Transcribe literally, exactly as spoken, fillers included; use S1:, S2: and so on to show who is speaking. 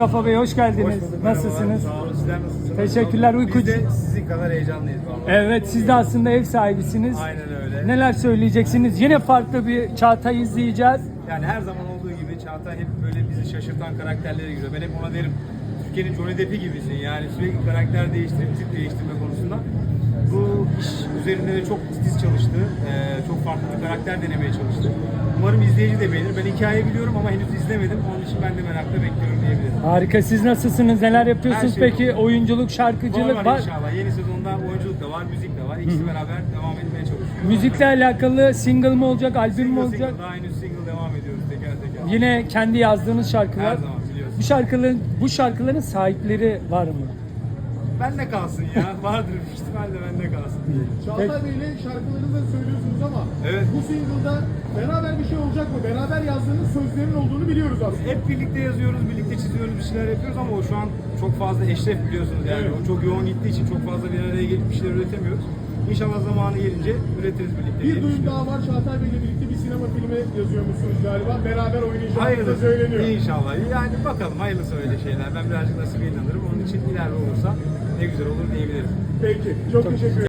S1: Mustafa Bey hoş geldiniz.
S2: Hoş bulduk,
S1: Nasılsınız?
S2: merhabalar. Sağ olun, sizler nasılsınız?
S1: Teşekkürler, uyku-
S2: Biz de sizin kadar heyecanlıyız vallahi.
S1: Evet, siz de aslında ev sahibisiniz.
S2: Aynen öyle.
S1: Neler söyleyeceksiniz? Yine farklı bir Çağatay izleyeceğiz.
S2: Yani her zaman olduğu gibi Çağatay hep böyle bizi şaşırtan karakterlere giriyor. Ben hep ona derim, Türkiye'nin Johnny Depp'i gibisin yani sürekli karakter değiştirip tip değiştirme konusunda. Bu iş üzerinde de çok titiz çalıştı. Ee, çok farklı bir karakter denemeye çalıştı. Umarım izleyici de beğenir. Ben hikayeyi biliyorum ama henüz izlemedim. Onun için ben de merakla bekliyorum diyebilirim.
S1: Harika. Siz nasılsınız? Neler yapıyorsunuz
S2: Her şey
S1: peki? Oyunculuk, şarkıcılık
S2: var,
S1: var.
S2: inşallah. Yeni sezonda oyunculuk da var, müzik de var. İkisi beraber devam etmeye çalışıyoruz.
S1: Müzikle alakalı single mı olacak, albüm mü
S2: Single
S1: olacak?
S2: single, daha henüz single devam ediyoruz teker teker.
S1: Yine kendi yazdığınız şarkılar.
S2: Her zaman biliyorsun.
S1: Bu şarkıların bu şarkıların sahipleri var mı?
S2: Bende kalsın ya. Vardır büyük ihtimalle bende kalsın.
S3: Çağatay Bey'le şarkılarınızı da söylüyorsunuz ama
S2: Evet.
S3: bu single'da beraber bir şey olacak mı? Beraber yazdığınız sözlerin olduğunu biliyoruz aslında.
S2: Hep birlikte yazıyoruz, birlikte çiziyoruz, bir şeyler yapıyoruz ama o şu an çok fazla eşref biliyorsunuz yani.
S3: Evet.
S2: O çok yoğun gittiği için çok fazla bir araya gelip bir şeyler üretemiyoruz. İnşallah zamanı gelince üretiriz birlikte.
S3: Bir
S2: diye
S3: duyum
S2: düşünüyorum.
S3: daha var. Çağatay Bey'le birlikte bir sinema filmi yazıyormuşsunuz galiba. Beraber oynayacağınız da
S2: Hayırlısı.
S3: söyleniyor.
S2: İnşallah. Yani bakalım hayırlısı öyle şeyler. Ben birazcık nasibe inanırım. Onun için ileride olursa ne güzel olur diyebilirim.
S3: Peki. Çok teşekkür ederim.